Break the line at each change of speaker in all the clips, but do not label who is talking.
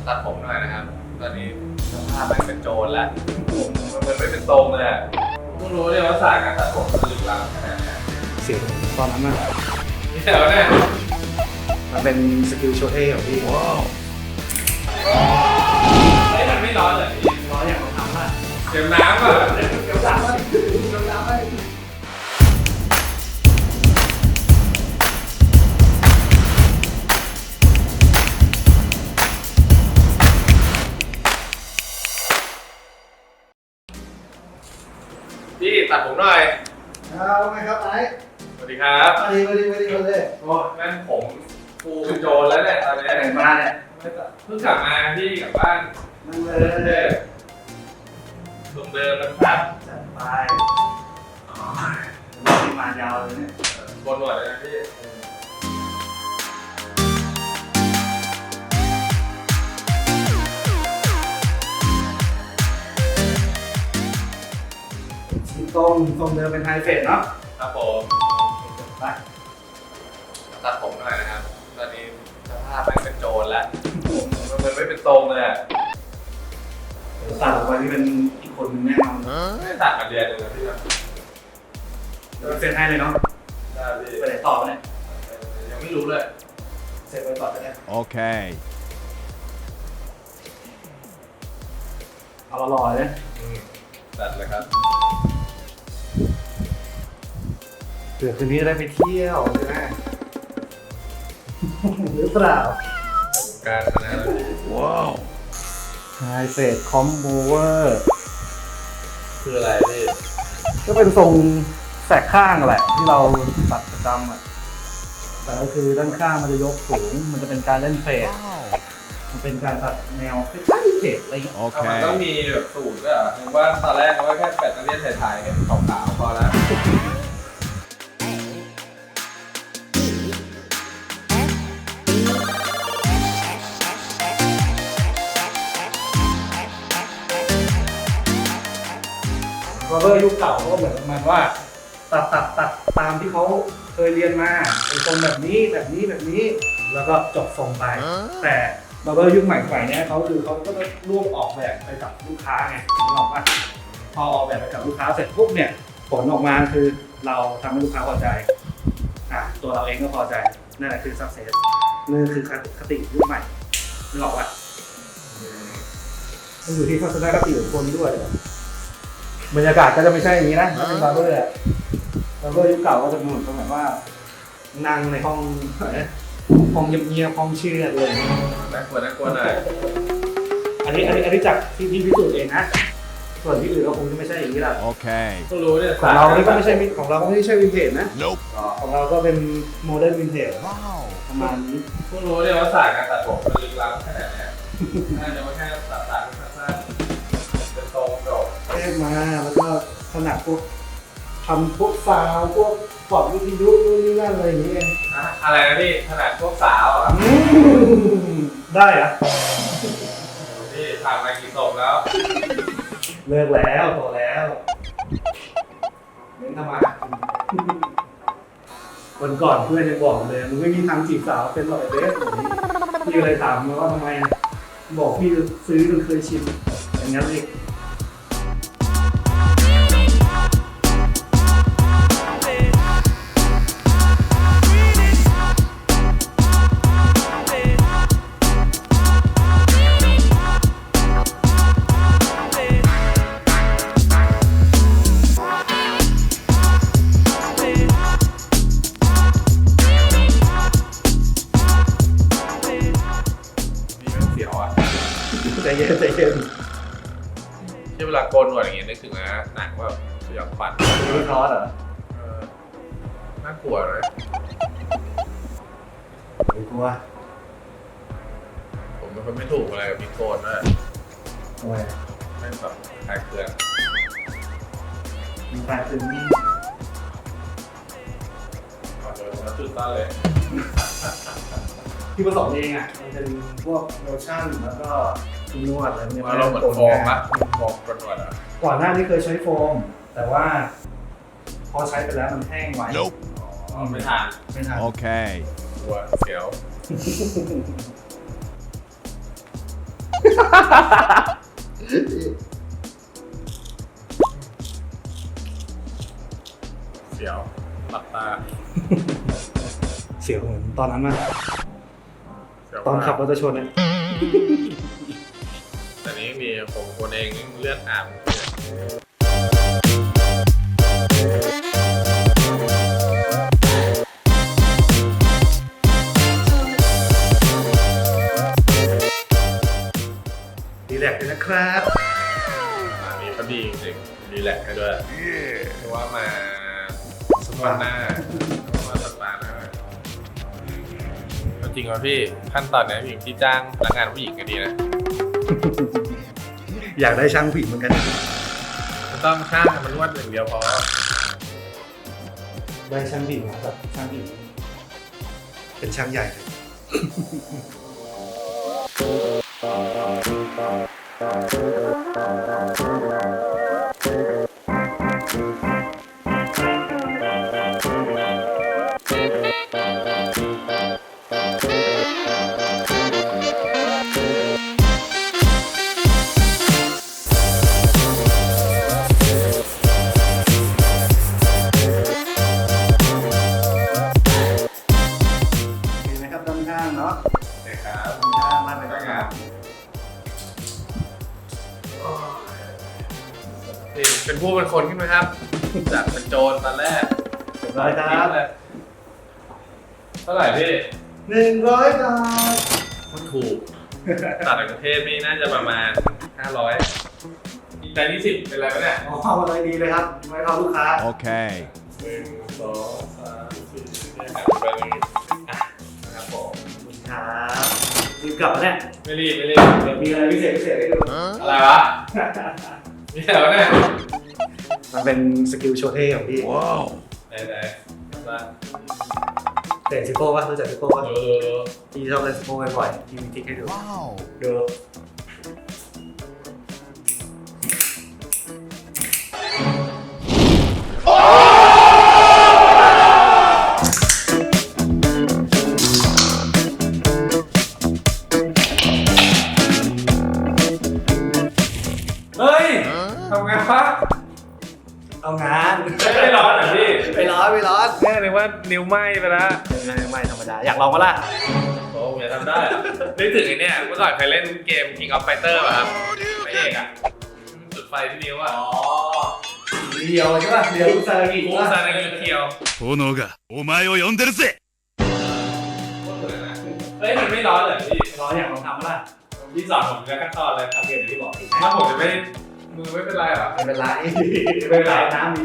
ตัดผมหน่อยนะครับตอนนี้สภาพมันเป็นโจรแล้วมันไม่เป็นตรงเลยเพิ่งรู้เนี่ยว่าศาสตร์การตัดผมมันลึกล้ำขนาดไหน
เสียงตอนนั้นน่ะ
เดี๋ยวเนี่ย
มันเป็นสกิลโชว์เท่ของพี่
ไอ้มันไม่ร้อนเลยพี่
ร้อยอย่างเราทำอ่ะ
เตรียมน้ำก่อน
เดี๋ยวสามวันเดี๋ยวสามวัน
พี่ตัดผมหน่อย
เอาไงครับไอ้
สวัสดีครับ
มาดีเลย
โอ้นั่นผมฟูเป็นโจรแล้วเนี่ยตอนนี้
แต่งมาเนี่ย
เพิ่งกลับมาพี่กลับบ้าน
นั่งเล
เดิ
ย
มเดิมนะครับ
จัดไปมีมายาวเลยเนี่ย
บนหนวดเลยนะพี่
สีต้มทรงเดิมเป็นไฮเฟสเนาะ
ครับผม
ไป
ตัดผมหน่อยนะครับตอนนี้สภาพมันเป็นโจรแล้วมันไม่เป็นตรงเลยอะ
เดี๋ยวตัดออกไปที่เป็นอีกคนนึงแน่นอน
ไม่ได้ตัดมาเดือนหนึงแล้วพี่ครับ
เดี๋ยวเซ็นให้เลยเนาะ
ได้พี่
ไปไหนต่อเนี่ย
ยังไม่รู้เลย
เซ็นไปต่อจะได้
Okay.
เอาหล่อๆเลย
ตัดเลยครับ
เผื่อคืนนี้จะได้ไปเที่ยวใช่ไหมหรือเปล่า
การขนาดนั้นพี่
Wow.
ไฮเฟสคอมโบเวอร์
คืออะไรพี่
ก็เป็นทรงแสกข้างแหละที่เราตัดประจำอ่ะแต่ก็คือด้านข้างมันจะยกสูง มันจะเป็นการเล่นเฟส มันเป็นการตัดแนวคล้ายๆเฟสอะไรอย่างเงี้ย
มันต้อง
Okay.
มีแบบสูตรด้วยเหรอผมว่าตอนแรกเขาก็แค่แบตเตอรี่ไทยๆขาวๆพอแล้ว
บาร์เบอร์ยุคเก่าก็เหมือนประมาณว่าตัดตามที่เขาเคยเรียนมาเป็นทรงแบบนี้แล้วก็จบทรงไป แต่บาร์เบอร์ยุคใหม่ๆเนี่ยเขาก็จะร่วมออกแบบไปกับลูกค้าไงนึกออกปะพอออกแบบไปกับลูกค้าเสร็จปุ๊บเนี่ยผลออกมาคือเราทำให้ลูกค้าพอใจตัวเราเองก็พอใจนั่นแหละคือ success นั่นคือคติยุคใหม่นึกออกปะมันอยู่ที่ทัศนคติของคนด้วยบรรยากาศก็จะไม่ใช่อย่างนี้นะถ้าเป็นบาร์เบอร์อะบาร์เบอร์ยุคเก่าก็จะเหมือนแบบว่านั่งในห้องเงียบๆห้องเชื่อดเลย
น่ากลัวหน่อย
อันนี้จากที่พิสูจน์เองนะ ส่วนที่อื่นก็คงจะไม่ใช่อย่างนี้แหละ
Okay.
เพิ่งรู้เนี่ย
ของเรานี่ก็ไม่ใช่ของเราก็ไม่ใช่วินเทจนะ
Nope.
ของเราก็เป็นโมเดิร์นวินเทจ
Wow.
ประมาณนี้
เพิ่งรู้เนี่ยว่าศาสตร์การตัดผมมันลึกล้ำขนาดไหนน่าจะไม่แค่ตัดสั้นๆเป็นตรงโดด
แยกมาแล้วก็ขนาดพวกทำพวกซาวพวกปลอดวิทยุนู่นนี่นั่นอะไรอย่างเงี้ย
อะไรนะพี่ขนาดพวกสาวอ่ะ
ได้เหรอะ
พี่ทำมากี่ศพแล้ว
เลิกแล้วโตแล้วเน้นทำมาหากินวันก่อนเพื่อนยังบอกเลยมึงไม่มีทางจีบสาวเป็นหรอกไอ้เบสพี่ก็เลยถามมาว่าทำไมอะบอกพี่ซื้อจนเคยชินอย่างนั้นเลย
พี่มันเสียวอ่ะ
ใจเย็น
ที่เวลาโกนหนวดอย่างเงี้ยนึกถึงนะหนังแบบสยองขวัญ
รู้ทอสเหรอ
เออน่ากลัวเลย
ไม่กลัว
ผมเป็นคนไม่ถูกอะไรกับพี่โกนนะ
ทำไม
ไม่แบบคลายเครื่อง
มีแฟนซึมนี่
ขอโดนแล้วจุดต้นเลย
ที่ผสมเองอ่ะมันเป็นพวกโลชั่นแล้วก็ครีมนวดอะไรเนี่ย
ว่าเราเหมือนโฟมปะโฟมกดหนวดอ่ะ
ก่อนหน้านี้เคยใช้โฟม แต่ว่า พอใช้ไปแล้วมันแห้งไว
Nope.
อ๋อไม่ทาน
ไม่ทัน
Okay.
กลัวเสียวเสียวหลับตา
เสียวเหมือนตอนนั้นมาก
เสียว
ตอนขับรถจะชนเนี่ย
แต่นี้มีผมคนเองเลือดอาบ
ดีแลกซ์เลยนะครับ
อันนี้ก็ดีจริงๆรีแลกซ์กันด้วยเพราะว่ามาสปาหน้ามาสปาหน้าจริงเหรอพี่ขั้นตอนนี้ผู้หญิงที่จ้างพนักงานผู้หญิงก็ดีนะ
อยากได้ช่างผู้หญิงเหมือนกัน
ไม่ต้องช่างมันรวดอย่างเดียวพอ
ได้ช่างผู้หญิงครับช่างผู้หญิงเป็นช่างใหญ่เลยเห็นไหมครับด้านข้างเนาะ
เด็กครับ
ด้านข้างมันเป็น
พนัก
งาง
าน นนี่เป็นผู้เป็นคนขึ้นไหมครับจากเป็นโจรตอนแรก
เรียบร้อยครับ
เท่าไหร่พี่
100 บาท
มันถูกต่างประเทศนี่น่าจะประมาณ 500แต่นี่10เป็นไรวะเนี่ย
อ๋อมาเลยดีเลยครับไว้เข้าลูกค้า
Okay.
1 2 3 4เนี่ยครับเป็นนะครับผม
ครับรีบกลับมาเนี่ย
ไม่รีบ
เดี๋ยวมีอะไรพิเศษให้ดู
อะไรวะนี่เหรอเนี่ย
มันเป็นสกิลโชว์เท่ของพี่
Wow.
ไหนๆมา
เตะซิโก้ป่ะรู้จักซิโก้ป่ะ
ดู
พี่ชอบเล่นซิโก้บ่อยๆพี่มีทริคให้ดู
Wow.
ดู
เฮ้ยทำไงวะ
เอางาน
ไม่ร้อนเหรอพี่
ไม่ร้อน
แม่เลยว่านิ้วไหม้ไปแล้ว
ไม่ธรรมดาอยากลองมาล่ะ
โอ้ผมจะทำได้อะนึกถึงไอ้เนี่ยเมื่อก่อนเคยเล่นเกม King of Fighter ป่ะครับพระเอกอ่ะจุดไฟที่นิ้วอ่ะ
เดียวใช่ป่ะเดียวซาลากิ
กู
ป่ะ
ซานางิเคียว
炎がお前を呼んでるぜ。
โคตรเลยนะเฮ้ยมันไม่ร้อนเลยพี่
ร้อนอยากลองทำมาล่ะ
พี่สอนผมจะขั้นตอนเลยครับ
เดี๋ยวพี่บอกอีก
ถ้าผมจะไม่มือไม่เป็นไรเหรอ
ไม่เป็นไรไม่เป็นไรน้ำมี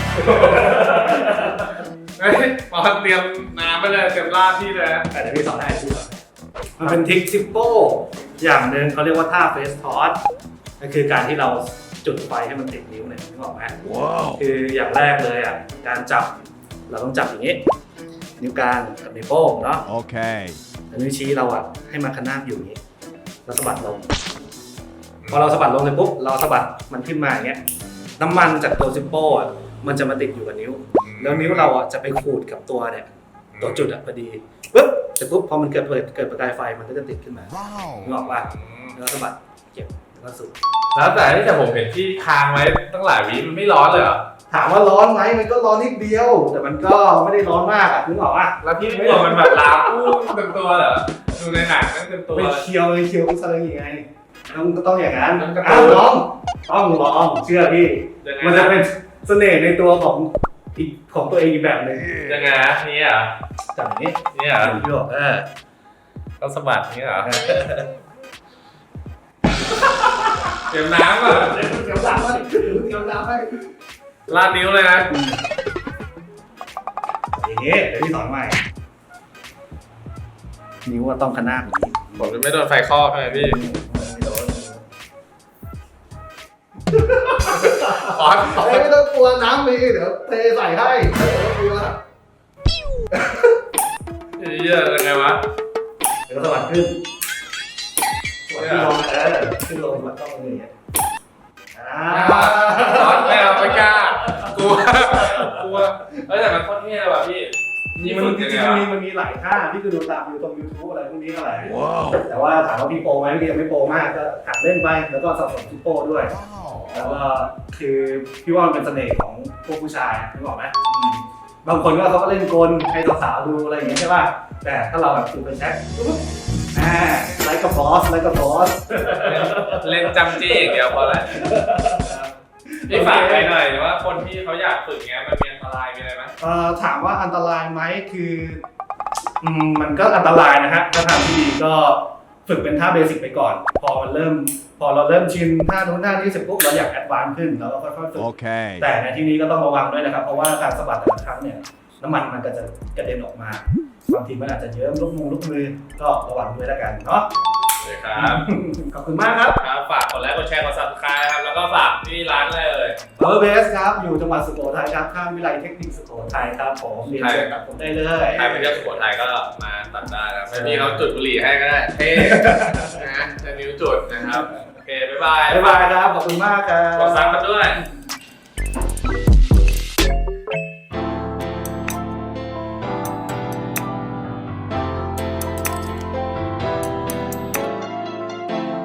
เฮ้ยพอเตรียมน้ำไปเลยเตรียมราดพี่เลยนะ
แต่เดี๋ยวพี่สอนให้พี่สอนมันเป็นทริคซิปโป้อย่างหนึ่งเขาเรียกว่าท่าเฟสทอสก็คือการที่เราจุดไฟให้มันติดนิ้วเนี่ยนึกออกไหม
Wow.
คืออย่างแรกเลยอ่ะการจับเราต้องจับอย่างนี้ นิ้วกลางกับนิ้วโป้งเนาะ
Okay.
แล้วนิ้วชี้เราอ่ะให้มันขนาบอยู่อย่างนี้แล้วสะบัดลงพอเราสะบัดลงเลยปุ๊บเราสะบัดมันขึ้นมาอย่างเงี้ยน้ำมันจากตัวซิปโป้อ่ะมันจะมาติดอยู่กับนิ้ว แล้วนิ้วเราอ่ะจะไปขูดกับตัวเนี่ยตัวจุดอ่ะพอดีปุ๊บเสร็จปุ๊บพอมันเกิดประกายไฟมันก็จะติดขึ้นมานึกออกป่ะแล้วสะบัดเก็บแล้วก็สูบ
แล้วแต่ผมเห็นที่ค้างไว้ตั้งหลายวิมันไม่ร้อนเลยเหรอ
ถามว่าร้อนไหมมันก็ร้อนนิดเดียว แต่มันก็ไม่ได้ร้อนมากอ่ะนึกออกป่ะ
แล้วพี่ไม่กลัวมันแบบลามพุ่งเต็มตัวเหรอดูในหนังนั่นเต็มตัว
ไม่เคียวเลยเคียวกุซาลายังไงต้องอย่างนั้น
มันกระ
อ้า
ตุ้
วน ลองเชื่อพี่
ยังไง
มันจะเป็นเสน่ห์ในตัวของอีกของตัวเองอีกแบบหนึง
ยังไงนะนี่เหรอ
จับอย่างนี้
นี่เหรอ
พี่บอก
ต้องสะบัดนี่เหรอเตรียมน้ำอ่ะ
เดี๋ยวดำให้เดี๋ยวดำให้
ลาดนิ้วเลยนะ
อย่างนี้เดี๋ยวพี่สอนใหม่นิ้วต้องขนาบอย่างนี้
ผมจะไม่โดนไฟคลอกใช่ไหมพี่
ไม่โดน
คอน
ไม่ต้องกลัวน้ำมีเดี๋ยวเทใส่ให้ไม่ต้องกลัว
เยอะยังไงวะ
เดี๋ยวสวัสดขึ้นสวัสดีลงขึ้นลงสวัสดต้องมืออย่างเงี้ย
ร้อนไม่เอาไม่กล้ากลัวเฮ้ยแต่มันโคตรเท่เลยว่ะพี่นี่
มัน
ฝึก
จ
ยัง
ริ
ไง
งๆ
วะ
มันมีหลายท่าที่คือดูตามอยู่ตรง YouTube อะไรพวกนี้อะไรแต่ว่าถามว่าพี่โปรไหมพี่ยังไม่โปรมากก็หัดเล่นไปแล้วก็สะสมชิปโป้ด้วย แล้วก็คือพี่ว่ามันเป็นเสน่ห์ของพวกผู้ชายนึกออกไหมบางคนก็เขาก็เล่นกลให้สาวๆดูอะไรอย่างเงี้ยใช่ป่ะแต่ถ้าเราแบบถือเป็นแช็คไลค์กับบอสไลค์กับบอส
เล่นจำจี้อย่างเดียวพอแหละพี่ฝากไปหน่อยว่าคนที่เขาอยากฝึกเงี้ยมันมีอันตรายมีอะไรไหม
ถามว่าอันตรายไหมคือมันก็อันตรายนะฮะถ้าทางที่ดีก็ฝึกเป็นท่าเบสิกไปก่อน พอเราเริ่มชินท่านู้นท่านี้เสร็จปุ๊บเราอยากแอดวานซ์ขึ้นเราก็ค่อยๆฝึก
Okay.
แต่ในที่นี้ก็ต้องระวังด้วยนะครับเพราะว่าการสะบัดแต่ละครั้งเนี่ยน้ำมันมันก็จะกระเด็นออกมาบางทีมันอาจจะเยิ้มลูกมือก็ระวังด้วยแล้วกันเนาะ
เลยครับ
ขอบคุณมากครับ
ครับฝากกดไลค์กดแชร์กด subscribe ครับแล้วก็ฝากที่ร้านเลย
Power Base ครับอยู่จังหวัดสุโขทัยครับข้ามวิไลเทคนิคสุโขทัยครับผมเรียนเชิญกับผมได้เลย
ใครไปเที่ยวสุโขทัยก็มาตัดได้นะครับพี่เขาจุดบุหรี่ให้ก็ได้เท่นะจะนิ้วจุดนะครับโอเคบ๊ายบาย
บ๊ายบายครับขอบคุณมากครับ
กดซับกันด้วย
ค